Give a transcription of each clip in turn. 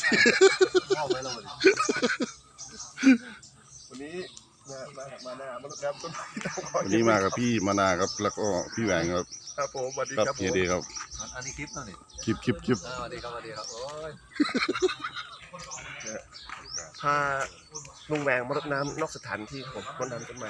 เข้าไปแล้ววันนี้มาหน้ามนุษย์น้ำต้นไม้วันนี้มากับพี่มานาครับแล้วก็พี่แหวงครับครับผมสวัสดีครับเฮียดีครับอันนี้คลิปนั่นนี่คลิปสวัสดีครับโอ้ยพาลุงแหวงมนุษย์น้ำนอกสถานที่ผมคนน้ำต้นไม้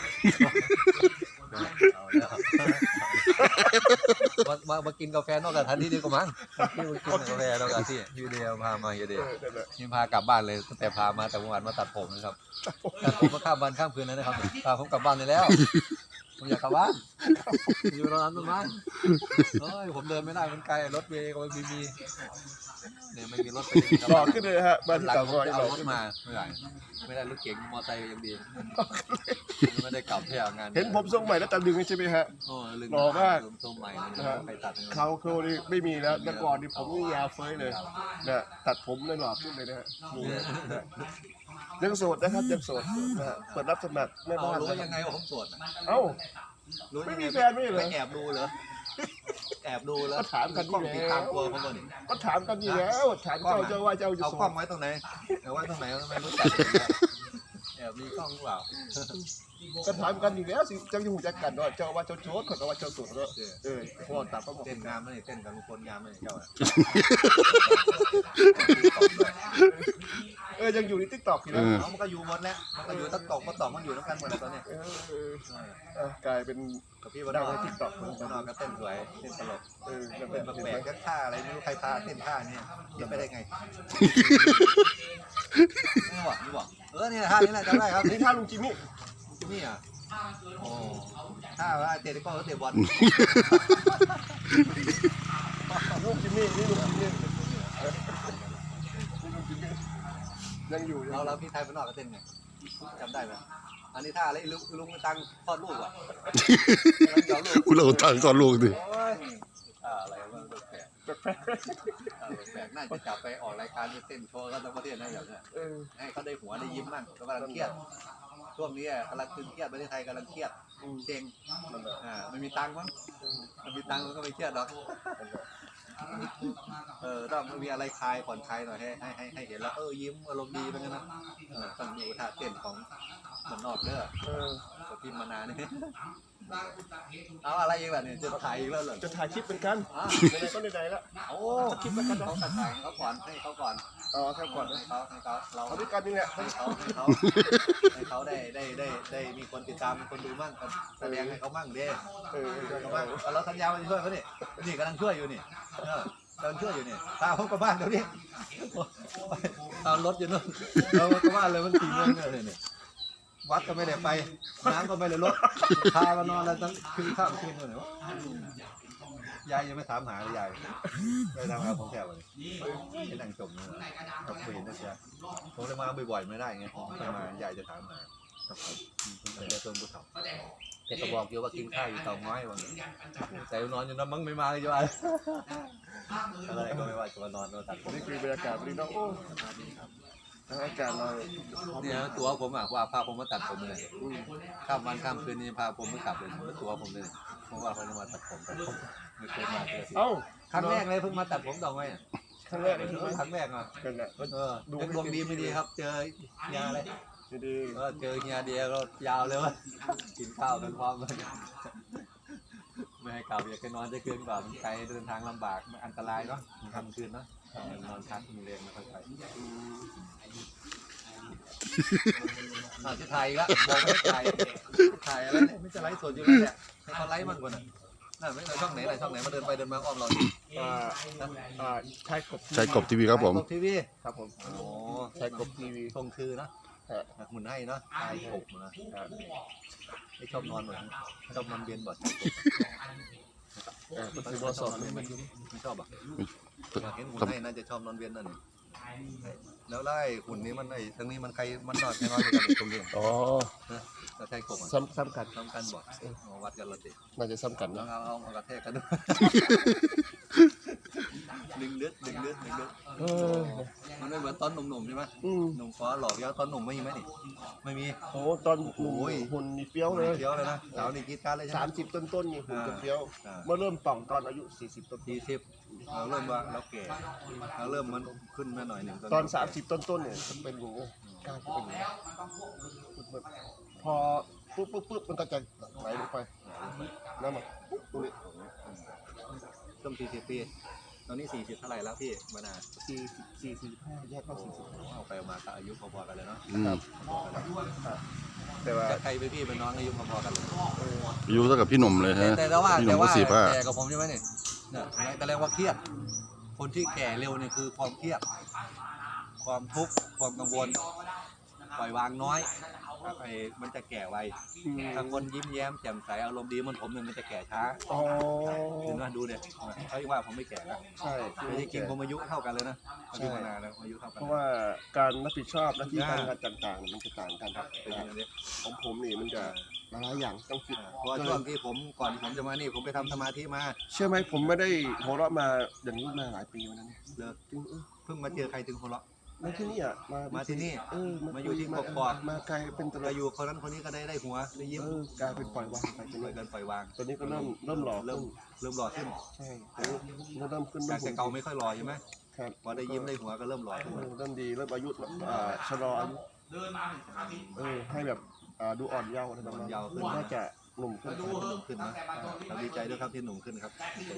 มากินกาแฟนอกสถานที่ดีกว่ามั้งกินกาแฟนอกสถานที่ยูเดียวพามายูเดียวนี่พากลับบ้านเลยตั้งแต่พามาแต่เมื่อวานมาตัดผมนะครับตัดผมมาข้ามวันข้ามคืนเลยนะครับพาผมกลับบ้านเลยแล้วผมอยากกลับบ้านอยู่ร้านต้นไม้เฮ้ยผมเดินไม่ได้มันไกลรถเมล์ก็ไม่มีเนี่ยไม่มีรถไปหลอกขึ้นเลยฮะบ้านที่เก่าก็เอารถมาไม่ได้รถเก๋งมอเตอร์ไซค์ยังดีไม่ได้กลับเที่ยวงานเห็นผมทรงใหม่แล้วตะลึงใช่ไหมฮะหล่อมากทรงใหม่ไปตัดเขาโคนี่ไม่มีแล้วแต่ก่อนนี่ผมนี่ยาวเฟ้ยเลยนะตัดผมเลยหล่อขึ้นเลยนะฮะยังโสดนะครับยังโสดนะฮะเปิดรับสมัครแม่บ้านรู้ยังไงว่าผมโสดเอ้าไม่มีแฟนไม่เหรอแอบดูเหรอแอบดูแล้วก็ถามกันกล้องติดตามตัวเขาบ่นี่ก็ถามกันอยู่แล้วถามเจ้าว่าเจ้าจะเอากล้องไว้ตรงไหนเอาไว้ตรงไหนทำไมรู้จักแอบมีกล้องหรือเปล่าก็ถามกันอยู่แล้วสิเจ้าอยู่จักกันว่าเจ้าว่าเจ้าโชดเขาว่าเจ้าสุดก็พ่อตัดเขาบอกเต้นงามไม่เต้นกันทุกคนงามไม่เจ้ายังอยู่ในติ๊กต็อกอยู่นะมันก็อยู่หมดแล้วมันก็อยู่ติ๊กต็อกมันอยู่น้ำกันหมดแล้วตอนนี้กลายเป็นกับพี่วันนอกติ๊กต็อกวันนอกก็เต้นสวยเต้นตลกเป็นแปลกก็ท่าอะไรไม่รู้ใครพาเต้นท่านี้ยังไม่ได้ไงนี่บอกเนี่ยท่านี้แหละจำได้ครับนี่ท่าลุงจิมมี่อ่ะโอ้ท่าว่าเตะก็เตะบอลลุงจิมมี่นี่ลุงจิมมี่ยังอยู่เราพี่ไทยวันนอกก็เต้นไงจำได้ไหมอันนี้ท่าอะไรลุงตังคลอดลูกอ่ะคุณเราตังคลอดลูกดิอะไรวะแปลกน่าจะจับไปออกรายการเต้นโชว์กันทั้งประเทศนะอย่างเงี้ยให้เขาได้หัวได้ยิ้มมั่งกำลังเครียดช่วงนี้กำลังตึงเครียดประเทศไทยกำลังเครียดเซ็งไม่มีตังค์มั้งมันมีตังค์มันก็ไม่เครียดหรอกต้องมีอะไรคลายผ่อนคลายหน่อยให้เห็นแล้วยิ้มอารมณ์ดีเป็นไงนะต้องดูท่าเต้นของมันนอกเด้อพิมพ์มานานนี่เอาอะไรอีกล่ะเนี่ยจะถ่ายอีกแล้วเหรอจะถ่ายคลิปเป็นกันไหนก็ไหนแล้วโอ้คลิปเป็นกันเขาถ่ายเขาก่อนให้เขาก่อนให้ก่อนให้เขาเราด้วยกันนี่แหละให้เขาได้มีคนติดตามมีคนดูมั่งแสดงให้เขามั่งเด้เราสัญญาว่าจะช่วยเขานี่กำลังช่วยอยู่นี่กำลังช่วยอยู่นี่ตามเขากลับบ้านเดี๋ยวนี้ตามรถอยู่นู่นเรากลับบ้านเลยมัน4 โมงเนี่ยวัดก็ไม่ได้ไปน้ำก็ไม่ได้ลดพามานอนแล้วทั้งคืนข้ามคืนเลยยายยังไม่ถามหาเลยยายไปทำงานของแถวเลยให้นั่งจมเลยกับคุยนะจ๊ะผมเลยมาบ่อยๆไม่ได้ไงถ้ามายายจะถามหาแต่จะต้นบุตรแต่ก็บอกอยู่ว่ากินข้าวอยู่เตาไม้วันแต่นอนอยู่น้ำมั้งไม่มาเลยจ้ะอะไรก็ไม่ว่าจะมานอนตัดนี่คือบรรยากาศดีน้องโอ้อากาศเราเนี่ยตัวผมว่าพาผมมาตัดผมเลยข้ามวันข้ามคืนนี้พาผมไม่กลับเลยตัวผมเลยเพราะว่าเขาจะมาตัดผมไม่เคยมาเลยครั้งแรกเลยเพิ่งมาตัดผมดอกไม้ครั้งแรกเลยครั้งแรกอ่ะเป็นดวงดีไม่ดีครับเจอยาอะไรดีเจอเฮียเดียก็ยาวเลยวะกินข้าวกันพร้อมเลยไม่ให้กลับอยากไปนอนจะคืนก่อนไกลเดินทางลำบากอันตรายเนาะทำคืนเนาะนอนพักมีแรงมาค่อยไปจะถ่ายอีกแล้วบอกไม่ถ่ายอะไรไม่จะไลฟ์สดอยู่แล้วเนี่ยให้เขาไลฟ์มากกว่าน่ะน่าไม่ช่องไหนมาเดินไปเดินมาอ้อมเราใช่กบทีวีครับผมทีวีครับผมโอ้ใช่กบทีวีทรงคือนะหมุนให้เนาะใช่กบนะไม่ชอบนอนเหมือนชอบนอนเบียนบ่อยคือบอสอบไม่ชอบอ่ะเห็นหุ่นให้น่าจะชอบนอนเวียนนั่นแล้วไล่หุ่นนี้มันทั้งนี้มันใครมันนอนแค่นอนกันตรงนี้แล้วใช่กบซ้ำกันบ่วัดกันละสิน่าจะซ้ำกันนะเอากระแทกกันด้วยดึงเลือดมันไม่เหมือนตอนหนุ่มๆใช่ไหมหนุ่มฟ้าหลอกแล้วตอนหนุ่มไม่มีไหมนี่ไม่มีโอ้ตอนหุ่นนี่เฟี้ยวเลยนะสาวนี่กีดการเลย 30 ต้นนี่หุ่นจะเฟี้ยวเมื่อเริ่มป่องตอนอายุ40 ต้นเราเริ่มว่าเราแก่เราเริ่มมันขึ้นมาหน่อยหนึ่งตอน30ต้นๆเนี่ยจะเป็นอย่างนี้กล้าจะเป็นอย่างนี้พอปุ๊บมันก็จะไหลลงไปน้ำมันตรงนี้ต้ม40 ปีตอนนี้40เท่าไหร่แล้วพี่มานา 45แยกเข้า40 เอาไปมาก็อายุพอๆกันเลยเนาะแต่ว่าใครเป็นพี่เป็นน้องอายุพอๆกันเลยอายุเท่ากับพี่หนุ่มเลยฮะแต่ว่าพี่หนุ่แต่มก็ว่า 45 แก่กับผมใช่ไหมเนี่ยแต่แรงว่าเครียดคนที่แก่เร็วเนี่ยคือความเครียดความทุกข์ความกังวลปล่อยวางน้อยครับมันจะแก่ไวถ้าคนยิ้มแย้มแจ่มใสอารมณ์ดีมันผมเนี่ยมันจะแก่ช้าอ๋อเห็นไหมดูเนี่ยเขาว่าผมไม่แก่นะใช่แต่จริงๆผมอายุเท่ากันเลยนะอายุมานานแล้วอายุเท่ากัเพราะว่าการรับผิดชอบหน้าที่การงานต่างๆมันจะต่างกันครับเป็นอย่างนี้ของผมนี่มันจะหลายอย่างต้องคิดเพราะช่วงที่ผมก่อนผมจะมานี่ผมไปทำสมาธิมาเชื่อไหมผมไม่ได้หัวเราะมาอย่างนี้มาหลายปีแล้วนะเนี่ยเลิกจริงเพิ่งมาเจอใครถึงคนละมาที่นี่อ่ะมาที่นี่ มาอยู่ที่มากกอกมาไกลเป็นตเราลาดอยู่คนนั้นคนนี้ก็ได้หัวได้ยิ้มกลายเป็นปล่อยวางไปตอนปล่อยนี้กันปล่อยวางตอนนี้ก็เริ่มหล่อเริ่มหล่อขึ้นใช่ตอนนี้เริ่มขึ้นจากแต่เก่าไม่ค่อยหล่อใช่ไหมครับพอได้ยิ้มได้หัวก็เริ่มหล่อขึ้นเริ่มดีเริ่มอายุชะลออายุให้แบบดูอ่อนเยาว์อะไรประมาณนี้น่าจะหนุ่มขึ้นหนุ่มขึ้นนะเราดีใจด้วยครับที่หนุ่มขึ้นครับ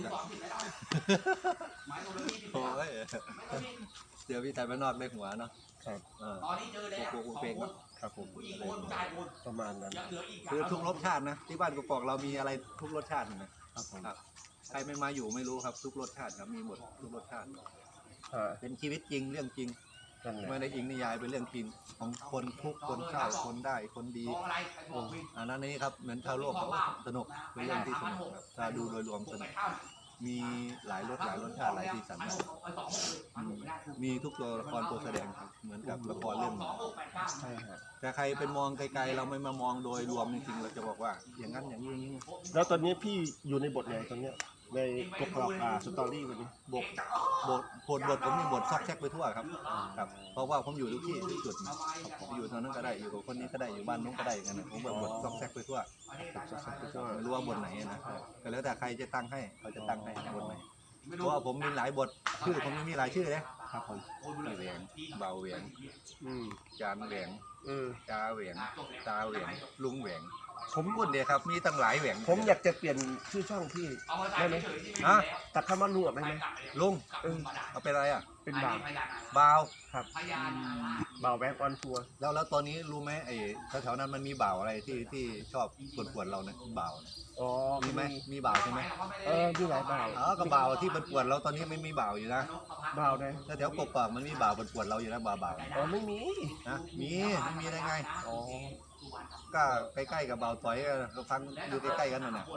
โอ้ยเดี๋ยวพี่ชายบ้านนอกได้หัวเนาะครับโกเพลงเนาะครับผมประมาณนั้นคือทุกรสชาตินะที่บ้านกกอกเรามีอะไรทุกรสชาตินะครับใครไม่มาอยู่ไม่รู้ครับทุกรสชาติครับมีหมดทุกรสชาติเป็นชีวิตจริงเรื่องจริงไม่ได้อิงนิยายเป็นเรื่องจริงของคนทุกคนเศร้าคนได้คนดีอันนั้นนี่ครับเหมือนชาวโลกเขาสนุกเป็นเรื่องที่สนุกครับถ้าดูโดยรวมสนุกมีหลายรสชาติหลายสีสันมีทุกตัวละครตัวแสดงครับเหมือนกับละครเรื่องใช่ครับแต่ใครเป็นมองไกลๆเราไม่มามองโดยรวมจริงๆเราจะบอกว่าอย่างนั้นอย่างนี้อย่างนี้แล้วตอนนี้พี่อยู่ในบทไหนตอนเนี้ยในกบสตอรี่วันนี้บทผมมีบทซอกแซกไปทั่วครับเพราะว่าผมอยู่ทุกที่ทุกจุดนะผมอยู่ตรงนั้นก็ได้อยู่กับคนนี้ก็ได้อยู่บ้านนู้นก็ได้อย่างนั้นผมแบบบทซอกแซกไปทั่วไม่รู้ว่าบทไหนนะก็แล้วแต่ใครจะตั้งให้เขาจะตั้งให้บทไหนเพราะว่าผมมีหลายบทชื่อผมมีหลายชื่อเลยครับผมพี่แหวงเบาแหวงจานแหวงจาแหวงตาแหวงลุงแหวงผมพูดเดียวครับมีตั้งหลายแหวงผมอยากจะเปลี่ยนชื่อช่องพี่ได้ไหมตัดคำว่าลุงออกได้ไหมลุงเอาเป็นอะไรเป็นบ่าวครับบ่าวแบ็กออนทัวร์แล้วตอนนี้รู้ไหมไอ้แถวๆนั้นมันมีบ่าวอะไรที่ชอบปวดเราเนี่ยบ่าวมีไหมมีบ่าวใช่ไหมมีหลายบ่าวก็บ่าวที่ปวดเราตอนนี้ไม่มีบ่าวอยู่นะบ่าวไหนแถวกบปากมันมีบ่าวปวดเราอยู่นะบ่าวไม่มีนะมีได้ไงก็ใกล้ๆกับบ่าวต่อยก็ฟังอยู่ใกล้ๆกันนั่นน่ะ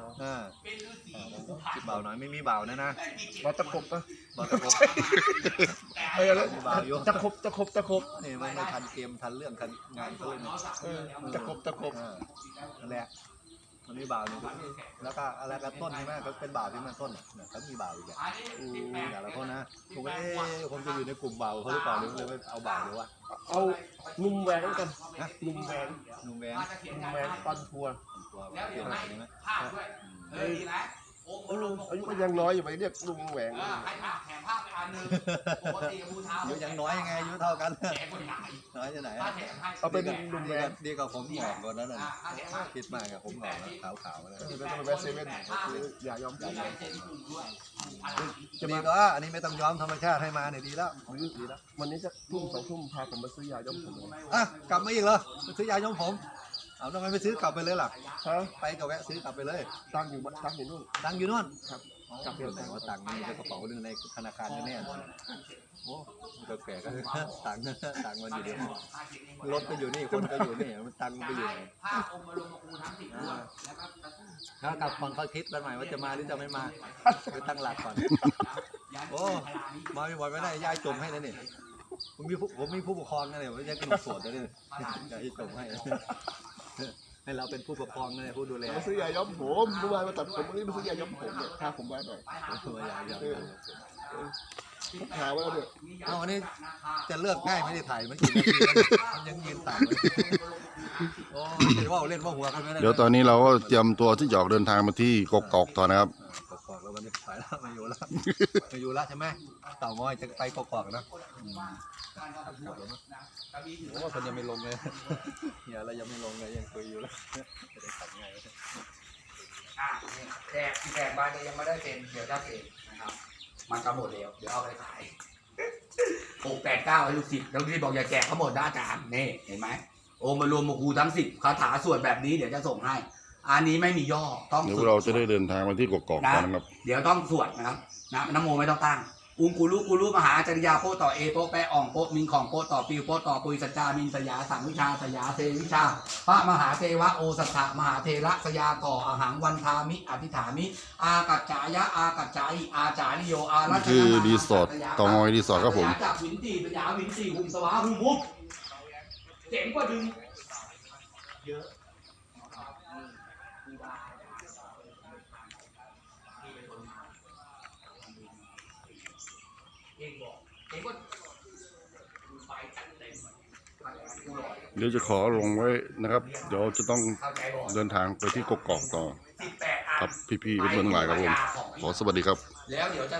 บ่าวน้อยไม่มีบ่าวนะบ่าวตะคบปะบ่าวตะคบบ่าวอยู่ตะคบนี่ไม่ทันเกมทันเรื่องทันงานเขาเลยตะคบนั่นแหละมันมีบ่าวหนึ่งแล้วก็อะไรกันต้นใช่ไหมก็เป็นบ่าวที่มันต้นเนี่ยเขามีบ่าวอีกอย่างละคนนะผมจะอยู่ในกลุ่มบ่าวเขาหรือเปล่าหรือไม่เอาบ่าวหรือว่าเอานุ่มแหวงกันนะนุ่มแหวงตอนทัวร์อายุก็ยังน้อยอยู่ไปเรียกลุงแหวงอายุยังน้อยยังไงอายุเท่ากันน้อยจะไหนเอาเป็นลุงแหวงดีกว่าผมหงอกกว่านั้นคิดมากกับผมหงอกแล้วขาวๆเลยเป็นแวะเซเว่นอย่ายอมใจจะมีก็อันนี้ไม่ต้องย้อมธรรมชาติให้มาเนี่ยดีแล้ววันนี้จะทุ่ม2 ทุ่มพาผมมาซื้อยาย้อมผมกลับมาอีกเหรอซื้อยาย้อมผมเอาทำไมไม่ซื้อกลับไปเลยล่ะไปก็แวะซื้อกลับไปเลยตังอยู่นู่นครับกลับไปไหนว่าตังค์มีกระเป๋าหนึ่งในธนาคารแน่ๆโอ้ก็แก่ก็ตังค์มันอยู่เดียวรถก็อยู่นี่คนก็อยู่นี่มันตังค์ไปอยู่ไหนถ้ากลับก่อนเขาคิดกันใหม่ว่าจะมาหรือจะไม่มาไปตั้งหลักก่อนโอ้มาไม่บ่อยไม่ได้ย้ายจมให้นะนี่ผมมีผู้ปกครองนะเนี่ยว่าจะกินสดนะเนี่ยย้ายจมให้เราเป็นผู้ปกครองนะผู้ดูแลมาซื้อยาย้อมผมเมื่อวานมาตัดผมวันนี้มาซื้อยาย้อมผมเนี่ยพาผมมาหน่อยหาไว้แล้วเนี่ยวันนี้จะเลือกง่ายไม่ได้ถ่ายมันกี่นาทีมันยังยืนตากเลยโอ้ยว่าเล่นว่าหัวกันไม่ได้เดี๋ยวตอนนี้เราก็เตรียมตัวที่จะออกเดินทางมาที่กกอกต่อนะครับกกอกแล้ววันนี้ถ่ายแล้วไม่อยู่แล้วไม่อยู่แล้วใช่ไหมเต่างอยจะไปกอกๆนะโอ้คนยังไม่ลงเลยเนี่ยแล้วยังไม่ลงเลยยังคุยอยู่แล้วจะได้ขับไงแขกบ้านนี้ยังไม่ได้เซ็นเดี๋ยวจะเซ็นนะครับมันก็หมดแล้วเดี๋ยวเอาไปขาย689ให้ลูกศิษย์แล้วที่บอกอย่าแจกเขาหมดนะอาจารย์นี่เห็นไหมโอมารวมมาครูทั้ง10คาถาสวดแบบนี้เดี๋ยวจะส่งให้อันนี้ไม่มีย่อต้องเดี๋ยวเราจะได้เดินทางมาที่กกอกกันนะครับเดี๋ยวต้องสวดนะครับนะน้ำโมไม่ต้องตั้งอุงกูรูมหาจริยาโปต่อเอโปแปะอ่องโปมิงของโปต่อปิวโปต่อปุยสัจจามินสยาสังวิชาสยาเทวิชาพระมหาเทวะโอสัทธมหาเทระสยาก่ออาหังวันทามิอธิษฐามิอากัจจายะอากัจจายิอาจาริโยอารัชคือรีสอร์ทเตางอยรีสอร์ทครับผมจากวินตีสยาวินตีหุ่มสวาหุ่มมุกเจ๋งกว่าดึงเยอะเองบอกเองว่าไฟจัดเต็มกูหล่อเดี๋ยวจะขอลงไว้นะครับ เดี๋ยวจะต้องเข้าใจบอกเดินทางไปที่กกอกต่อ 18 ครับพี่ๆเพื่อนๆทั้งหลายครับผม ขอสวัสดีครับแล้วเดี๋ยวจะ